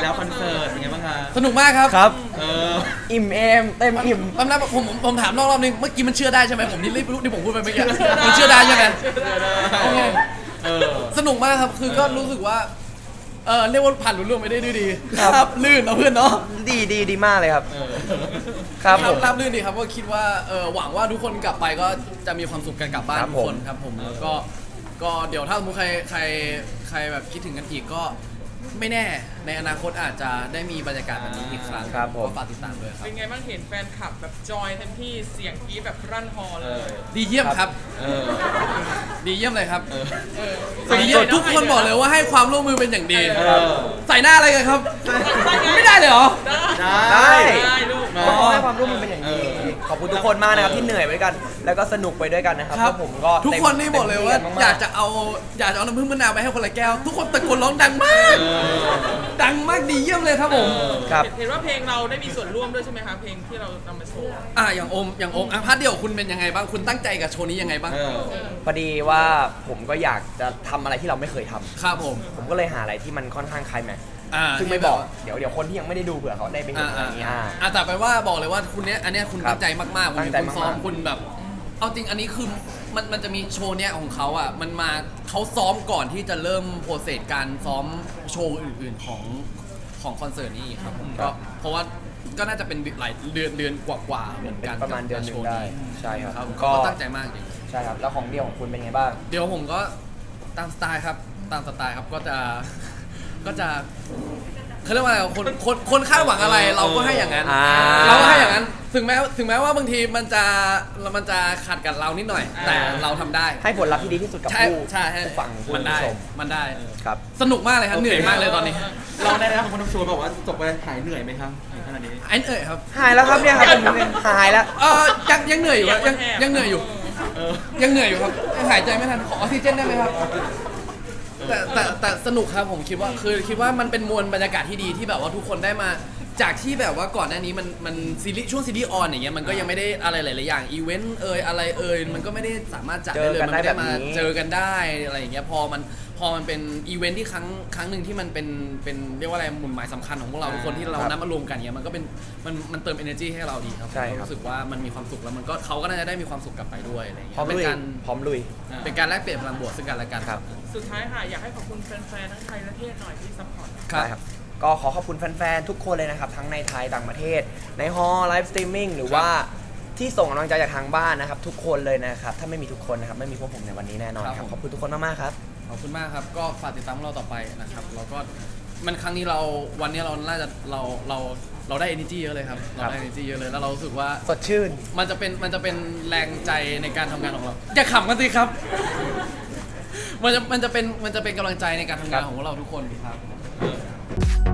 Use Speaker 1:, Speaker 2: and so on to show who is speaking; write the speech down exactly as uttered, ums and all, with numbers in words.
Speaker 1: แล้วคอนเสิร์ตเป็นไงบ้างคะ
Speaker 2: สนุกมากครับ
Speaker 3: ครับ
Speaker 1: เออ
Speaker 3: อิ่มเอมเต็มอิ่ม
Speaker 2: แป๊บนึงผมผมผมถามรอบๆนึงเมื่อกี้มันเชื่อได้ใช่ไหมผมนี่รีบรู้ที่ผมพูดไปเมื่อกี้มันเชื่อได้ใช่ไหม โอเค
Speaker 1: เออ
Speaker 2: สนุกมากครับคือก็รู้สึกว่าเออเรียกว่าผ่านรุ่ล่วงไปได้ด้วยดี
Speaker 3: ครับ
Speaker 2: ลื่นเนาะเพื่อนเนาะ
Speaker 3: ดีดีดีมากเลยครับ
Speaker 1: เออ
Speaker 3: ครับผม
Speaker 2: ราบลื่นดีครับก็คิดว่าเออหวังว่าทุกคนกลับไปก็จะมีความสุขกันกลับบ้าน
Speaker 3: ครับ
Speaker 2: ทุกคนครับผมแล้วก็ก็เดี๋ยวถ้าสมมติใครใครใครแบบคิดถึงกันอีกก็ไม่แน่ในอนาคตอาจจะได้มีบรรยากาศแบบนี้อีกครั้ง
Speaker 3: ครับผม
Speaker 2: ก็ฝากติดตามด้วยครับ
Speaker 4: เป็นไงบ้างเห็นแฟนคลับแบบจอยเต็มที่เสียงกรี๊ดแบบรั่นฮอล
Speaker 1: เอ
Speaker 4: เล
Speaker 1: อย
Speaker 2: ดีเยี่ยมครับ
Speaker 1: เออ
Speaker 2: ดีเยี่ยมเลยครับ
Speaker 1: เออ
Speaker 4: เออ
Speaker 2: ดีเยี่ยมทุกคนบอกเลยว่าให้ความร่วมมือเป็นอย่างดี
Speaker 1: เออ
Speaker 2: ใส่หน้าอะไรกันครับ ไม่ได้เลยเหรอ
Speaker 1: ได้
Speaker 4: ได้ลูก
Speaker 1: เนาะ
Speaker 3: ขอให้ความร่วมมือเป็นอย่างดี
Speaker 1: เออ
Speaker 3: ขอบคุณทุกคนมากนะครับที่เหนื่อยไปด้วยกัน แล้วก็สนุกไปด้วยกันนะครับ
Speaker 2: ครับ
Speaker 3: พวกผมก็
Speaker 2: ทุกคนนี่บอกเลยว่า
Speaker 3: ต็มที่นม
Speaker 2: อยากจะเอาอยากจะเอาน้ำผึ้งมะนาวไปให้คนละแก้ว ทุกคนตะโกนร้องดังมาก
Speaker 1: เออ
Speaker 2: ดังมากดีเยี่ยมเลยครับผม
Speaker 3: ครับ
Speaker 4: เห็นว่าเพลงเราได้มีส่วนร่วมด้วยใช่ไหมคะเพลงที่เรานำมาโชว์
Speaker 2: อ่ะอย่างโอมอย่างโอมอ่ะพาร์ทเดียวคุณเป็นยังไงบ้างคุณตั้งใจกับโชว์นี้ยังไงบ้าง
Speaker 1: เออ
Speaker 3: พอดีว่าผมก็อยากจะทำอะไรที่เราไม่เคยทำ
Speaker 2: ครับผม
Speaker 3: ผมก็เลยหาอะไรที่มันค่อนข้างคลายแม็กซ์
Speaker 2: อ่า
Speaker 3: ซึ่งไม่บอก เดี๋ยวเดี๋ยวคนที่ยังไม่ได้ดูเผื่อเขาได้ไปเห็
Speaker 2: อ่าน
Speaker 3: อะไร
Speaker 2: อ่า
Speaker 3: อย่างเงี้ย
Speaker 2: อ่า
Speaker 3: อ่า
Speaker 2: อ่ะแต่ไปว่าบอกเลยว่าคุณเนี้ยอันเนี้ยคุณ
Speaker 3: ครับ
Speaker 2: ตั้งใจมากๆผม
Speaker 3: ตั้
Speaker 2: เห็
Speaker 3: ง
Speaker 2: น
Speaker 3: ใจ
Speaker 2: คุณซ้อม
Speaker 3: มากๆ
Speaker 2: คุณแบบ เอาจริงอันนี้คือมันมันจะมีโชว์เนี้ยของเขาอ่ะมันมาเขาซ้อมก่อนที่จะเริ่มโปรเซสการซ้อมโชว์อื่นๆของของคอนเสิร์ตนี้ครับผมก็เพราะว่าก็น่าจะเป็นหลายเดือนเดือนกว่าๆเหมือน
Speaker 3: เป็น
Speaker 2: กัน
Speaker 3: ประมาณเดือนหนึงได้ ใช่ครับ
Speaker 2: ครับผม
Speaker 3: ก็
Speaker 2: ก็ตั้งใจมากจริง
Speaker 3: ใช่ครับ แล้วของเดียวของคุณเป็นไงบ้าง
Speaker 2: เดี๋ยวผมก็ตามสไตล์ครับตามสไตล์ครับก็จะก็จะเขาเรียกว่าอะไรคนคนคนคาดหวังอะไรเราก็ให้อย่างนั้น
Speaker 3: อ่า
Speaker 2: เราก็ให้อย่างนั้นถึงแม้ถึงแม้ว่าบางทีมันจะมันจะขัดกับเรานิดหน่อย แต่เราทำได้
Speaker 3: ให้ผลลัพธ์ที่ดีที่สุดกับ
Speaker 2: ใช่
Speaker 3: ผู้
Speaker 2: ใช่ใช่
Speaker 3: ผู้ฟังผู้
Speaker 2: มันได้
Speaker 3: ชม
Speaker 2: มันได้
Speaker 3: ครับ
Speaker 2: สนุกมากเลยครับเหนื่อยมากเลยตอนนี้
Speaker 1: เราได้แล้วคนทำโชว์บอกว่าจบไปหายเหนื่อยไหมครับถึงขนาดนี้
Speaker 2: ไอ้เอ่ยครับ
Speaker 3: หายแล้วครับเนี่ยครับผมหายแล้ว
Speaker 2: เออยังยังเหนื่อยอยู่ครับยังยังเหนื่อยอยู่
Speaker 1: เออ
Speaker 2: ยังเหนื่อยอยู่ครับยังหายใจไม่ทันขอออกซิเจนได้ไหมครับแต่แต่แต่สนุกครับผมคิดว่าคือคิดว่ามันเป็นมวลบรรยากาศที่ดีที่แบบว่าทุกคนได้มาจากที่แบบว่าก่อนหน้านี้มันมันซีรีส์ช่วงซีรีส์ออนอย่างเงี้ยมันก็ยังไม่ได้อะไรหลายๆอย่างอีเวนต์เอ่ยอะไรเอ่ยมันก็ไม่ได้สามารถจัดได้เลย
Speaker 3: เจอกัน
Speaker 2: มันไม่ได้
Speaker 3: ได้แบบ
Speaker 2: มา
Speaker 3: นี้
Speaker 2: เจอกันได้อะไรอย่างเงี้ยพอมันพอมันเป็นอีเวนท์ที่ครั้งครั้งหนึ่งที่มันเป็นเป็นเรียกว่าอะไรหมุนหมายสำคัญของพวกเราทุกคนที่เรานัดมารวมกันเงี้ยมันก็เป็นมันมันเติม energy ให้เราดีครับ
Speaker 3: ใช่ครับ
Speaker 2: รู้สึกว่ามันมีความสุขแล้วมันก็เขาก็น่าจะได้มีความสุขกลับไปด้วยอะไรอย่าง
Speaker 3: พร้อ
Speaker 2: เงี้
Speaker 3: ม
Speaker 2: ยเป็
Speaker 3: ลุ
Speaker 2: น
Speaker 3: ย
Speaker 2: การ
Speaker 3: พร้อมลุย
Speaker 2: เป็นการแลกเปลี่ยนพลังบวกซึ่งกันและกัน
Speaker 3: ครับ
Speaker 4: สุดท้ายค่ะอยากให้ขอบคุณแฟนๆทั้งไทยและเทศหน่อยที่ซัพพอร์ต
Speaker 2: ครับ
Speaker 3: ได้ครับ ก็ขอขอบคุณแฟนๆ ทุกคนเลยนะครับ ทั้งในไทยต่างประเทศ ในฮอลไลฟ์สตรีมมิ่งหรือว่าที่ส่งกำลังใจจากทางบ้านนะครับ ทุกคนเลยนะครับ ถ้าไม่มีทุกคนนะครับ ไม่มีพวกผมในวันนี้แน่นอนครับ ขอบคุณทุกคนมากๆครับ
Speaker 2: ขอบคุณมากครับก็ฝากติดตามพวกเราต่อไปนะครับแล้วก็มันครั้งนี้เราวันนี้เราน่าจะเราเราเราได้ energy เยอะเลยครับเราได้ energy เยอะเลยแล้วเรารู้สึกว่า
Speaker 3: สดชื่น
Speaker 2: มันจะเป็นมันจะเป็นแรงใจในการทำงานของเราอย่าขำกันสิครับ มันจะมันจะเป็นมันจะเป็นกำลังใจในการทำงานของพวกเราทุกคนครับ